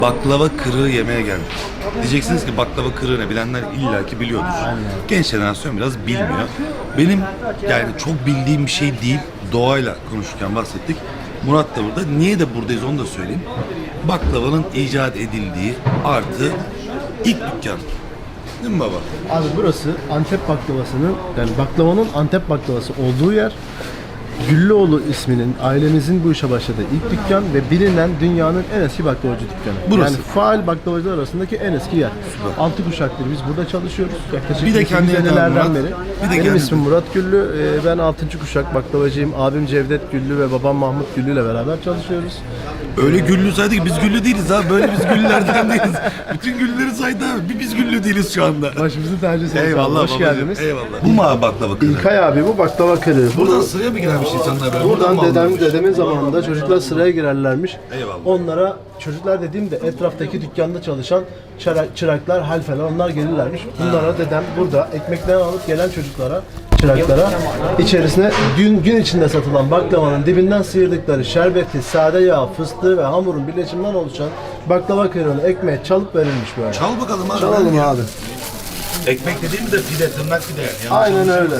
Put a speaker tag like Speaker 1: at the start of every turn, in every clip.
Speaker 1: Baklava kırığı yemeye geldik. Diyeceksiniz ki baklava kırığı ne? Bilenler illaki biliyordur. Genç jenerasyon biraz bilmiyor. Benim yani çok bildiğim bir şey değil. Doğayla konuşurken bahsettik. Murat da burada. Niye de buradayız onu da söyleyeyim. Baklavanın icat edildiği artı ilk dükkan. Değil mi baba?
Speaker 2: Abi burası Antep baklavasının, yani baklavanın Antep baklavası olduğu yer. Güllüoğlu isminin, ailemizin bu işe başladığı ilk dükkan ve bilinen dünyanın en eski baklavacı dükkanı.
Speaker 1: Burası.
Speaker 2: Yani faal baklavacılar arasındaki en eski yer. 6 kuşaktır biz burada çalışıyoruz. Yaklaşık
Speaker 1: Bir de kendine
Speaker 2: senelerden
Speaker 1: tanı
Speaker 2: beri.
Speaker 1: Murat. Bir de
Speaker 2: Benim
Speaker 1: kendine
Speaker 2: ismim Murat Güllü. Ben 6. kuşak baklavacıyım. Abim Cevdet Güllü ve babam Mahmut Güllü ile beraber çalışıyoruz.
Speaker 1: Öyle güllü saydı ki biz güllü değiliz abi. Böyle biz güllülerden değiliz. Bütün güllüleri saydı abi. Biz güllü değiliz şu anda.
Speaker 2: Başımızın tacısınız.
Speaker 1: Eyvallah
Speaker 2: Hoş
Speaker 1: babacığım,
Speaker 2: geldiniz.
Speaker 1: eyvallah. Bu mu abi baklava kırığı?
Speaker 2: İlkay abi bu baklava kırığı.
Speaker 1: Buradan sıraya mı girermiş insanlar böyle?
Speaker 2: Buradan
Speaker 1: mı alınırmış?
Speaker 2: dedemin zamanında çocuklar sıraya girerlermiş.
Speaker 1: Eyvallah.
Speaker 2: Onlara çocuklar dediğimde etraftaki dükkanda çalışan çıraklar, halfeler onlar gelirlermiş. Bunlara dedem burada ekmeklerini alıp gelen çıraklara içerisine gün içinde satılan baklavanın dibinden sıyırdıkları şerbeti, sade yağ, fıstığı ve hamurun birleşiminden oluşan baklava kırığını ekmeğe çalıp verilmiş böyle.
Speaker 1: Çal bakalım abi.
Speaker 2: Çalalım abi.
Speaker 1: Ekmek dediğimiz de pide, tırnak pide. Yani.
Speaker 2: Aynen öyle.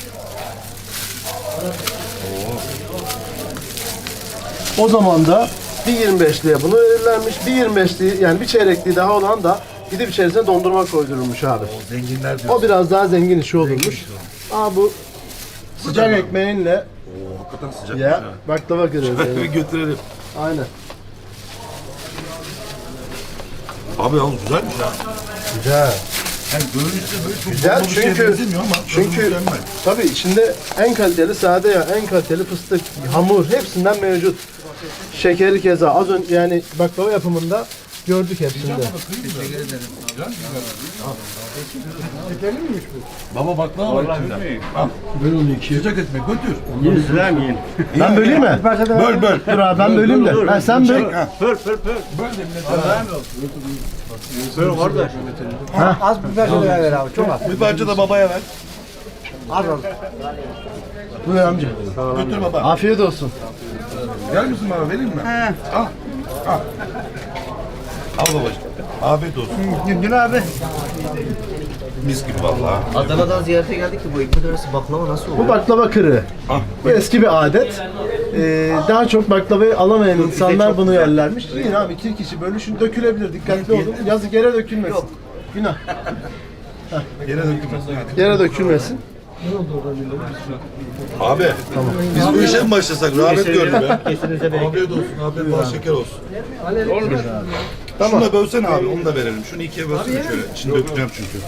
Speaker 2: O zaman da bir 25'liye bunu verirlermiş. Bir 25'liği yani bir çeyrekliği daha olan da gidip içerisine dondurma koydurulmuş abi.
Speaker 1: O zenginler diyor.
Speaker 2: O biraz daha zengin işi olurmuş. Aa bu sıcak ekmeğinle
Speaker 1: Oo, hakikaten sıcak.
Speaker 2: ya baklava kırıyoruz.
Speaker 1: Şöyle bir götürelim.
Speaker 2: Aynen.
Speaker 1: Abi yalnız güzelmiş ha.
Speaker 2: Güzel.
Speaker 1: Yani görünüşte böyle çok
Speaker 2: Güzel
Speaker 1: bomba bir şeye
Speaker 2: çünkü
Speaker 1: benzemiyor ama
Speaker 2: çünkü
Speaker 1: mükemmel.
Speaker 2: tabii içinde en kaliteli sade yağ, en kaliteli fıstık, hamur hepsinden mevcut. Şekeri keza az önce yani baklava yapımında gördük hepsinde.
Speaker 1: Baba baklava var içinde. Al.
Speaker 2: Böyle oluyor iki.
Speaker 1: Sıcak ekmek götür.
Speaker 2: Ben böleyim mi?
Speaker 1: Böl böl.
Speaker 2: Dur abi ben böleyim de. Ha, sen böl.
Speaker 1: Ha.
Speaker 3: Pör. Pör kardeş. Az biber de ver abi, çok az.
Speaker 1: Bir parça da babaya ver.
Speaker 3: Az az.
Speaker 2: Buyur amca.
Speaker 1: Götür baba.
Speaker 2: Afiyet olsun.
Speaker 1: Gel misin bana vereyim mi? Al. Al. Al babacığım. Afiyet olsun.
Speaker 3: Gün abi.
Speaker 1: Mis gibi vallahi.
Speaker 4: Adana'dan ziyarete geldik ki bu ekmek arası baklava nasıl
Speaker 2: Bu
Speaker 4: oluyor?
Speaker 2: baklava kırığı.
Speaker 1: Ah.
Speaker 2: Bu eski bir adet. Daha çok baklavayı alamayan insanlar bunu yerlermiş. Yine abi iki kişi bölüşün dökülebilir. Dikkatli olun. Yazık yere dökülmesin. Günah.
Speaker 1: Yere dökülmesin.
Speaker 2: Yere dökülmesin.
Speaker 1: Abi. Tamam. Biz bu işe mi başlasak? Rahmet gördüm ya. Afiyet olsun. Afiyet bal şeker olsun. Şunu da bölsene abi. Onu da verelim. Şunu ikiye bölsene şöyle. İçini dökeceğim çünkü.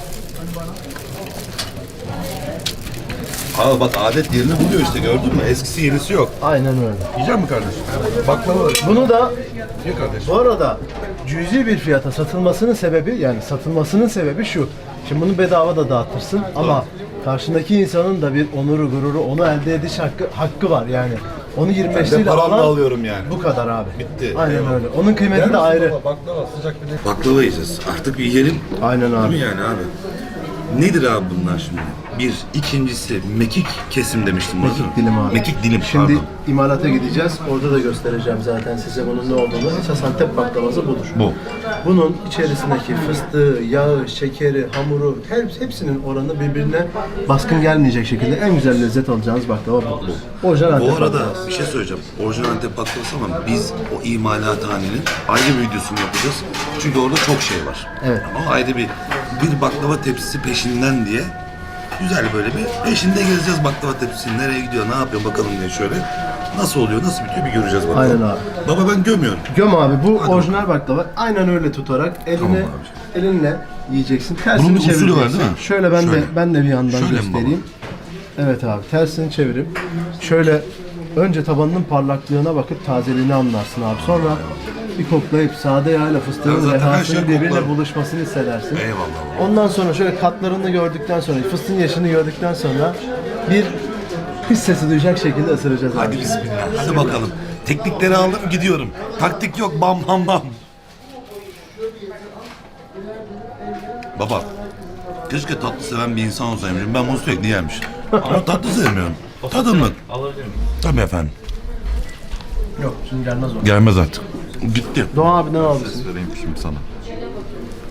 Speaker 1: Abi bak adet yerini buluyor işte gördün mü? Eskisi yenisi yok.
Speaker 2: Aynen öyle.
Speaker 1: Yiyecek mi kardeşim? Baklava var.
Speaker 2: Bunu da
Speaker 1: Ye kardeşim.
Speaker 2: bu arada cüzi bir fiyata satılmasının sebebi şu. Şimdi bunu bedava da dağıtırsın ama karşındaki insanın da bir onuru, gururu, onu elde ediş hakkı var yani. Onu 25
Speaker 1: Ben
Speaker 2: lira
Speaker 1: paramla
Speaker 2: alan
Speaker 1: alıyorum yani.
Speaker 2: bu kadar abi.
Speaker 1: Bitti.
Speaker 2: Aynen
Speaker 1: Eyvallah.
Speaker 2: öyle. Onun kıymeti de ayrı.
Speaker 1: Baklava sıcak bir de. Baklava yiyeceğiz. Artık bir yiyelim.
Speaker 2: Aynen abi.
Speaker 1: Değil mi yani abi? Nedir abi bunlar şimdi? Bir, ikincisi mekik kesim demiştim.
Speaker 2: Mekik dilim abi.
Speaker 1: Mekik dilim
Speaker 2: Şimdi
Speaker 1: pardon.
Speaker 2: imalata gideceğiz. Orada da göstereceğim zaten size bunun ne olduğunu. Esas Antep baklavası budur.
Speaker 1: Bu.
Speaker 2: Bunun içerisindeki fıstığı, yağı, şekeri, hamuru hepsinin oranı birbirine baskın gelmeyecek şekilde en güzel lezzet alacağınız baklava bu. Orijinal Antep
Speaker 1: Bu arada
Speaker 2: baklavası.
Speaker 1: bir şey söyleyeceğim. Orijinal Antep baklavası ama biz o imalathanenin ayrı bir videosunu yapacağız. Çünkü orada çok şey var.
Speaker 2: Evet.
Speaker 1: Ama ayrı bir baklava tepsisi peşinden diye güzel böyle bir peşinde gezeceğiz baklava tepsisi. Nereye gidiyor, ne yapıyor bakalım diye şöyle. Nasıl oluyor, nasıl bitiyor bir göreceğiz bakalım.
Speaker 2: Aynen abi.
Speaker 1: Baba ben gömüyorum.
Speaker 2: Göm abi bu
Speaker 1: Hadi
Speaker 2: orijinal baklava. Aynen öyle tutarak
Speaker 1: Tamam
Speaker 2: elinle yiyeceksin. Tersini
Speaker 1: Bunun bir usulü
Speaker 2: çevireceksin.
Speaker 1: var değil mi?
Speaker 2: Şöyle ben de bir yandan
Speaker 1: Şöyle mi
Speaker 2: göstereyim. Evet abi tersini çevirip şöyle önce tabanının parlaklığına bakıp tazeliğini anlarsın abi. Sonra bir koklayıp sade yağ ile
Speaker 1: Ya
Speaker 2: fıstığın
Speaker 1: zaten her
Speaker 2: rehasının
Speaker 1: şey
Speaker 2: birbirine
Speaker 1: koklar.
Speaker 2: buluşmasını hissedersin.
Speaker 1: Eyvallah.
Speaker 2: Ondan sonra şöyle katlarını gördükten sonra, fıstığın yaşını gördükten sonra bir his sesi duyacak şekilde ısıracağız
Speaker 1: Hadi
Speaker 2: abi.
Speaker 1: bismillah. Hadi bakalım. Teknikleri aldım gidiyorum. Taktik yok bam bam bam. Baba. Keşke tatlı seven bir insan olsaymışım. Ben bunu sürekli yermiş. Ama tatlı sevmiyorum. Tadımlık. Tabii efendim.
Speaker 2: Yok şimdi gelmez o.
Speaker 1: Gelmez artık. Gitti.
Speaker 2: Doğan abiden aldım.
Speaker 1: Ses vereyim şimdi sana.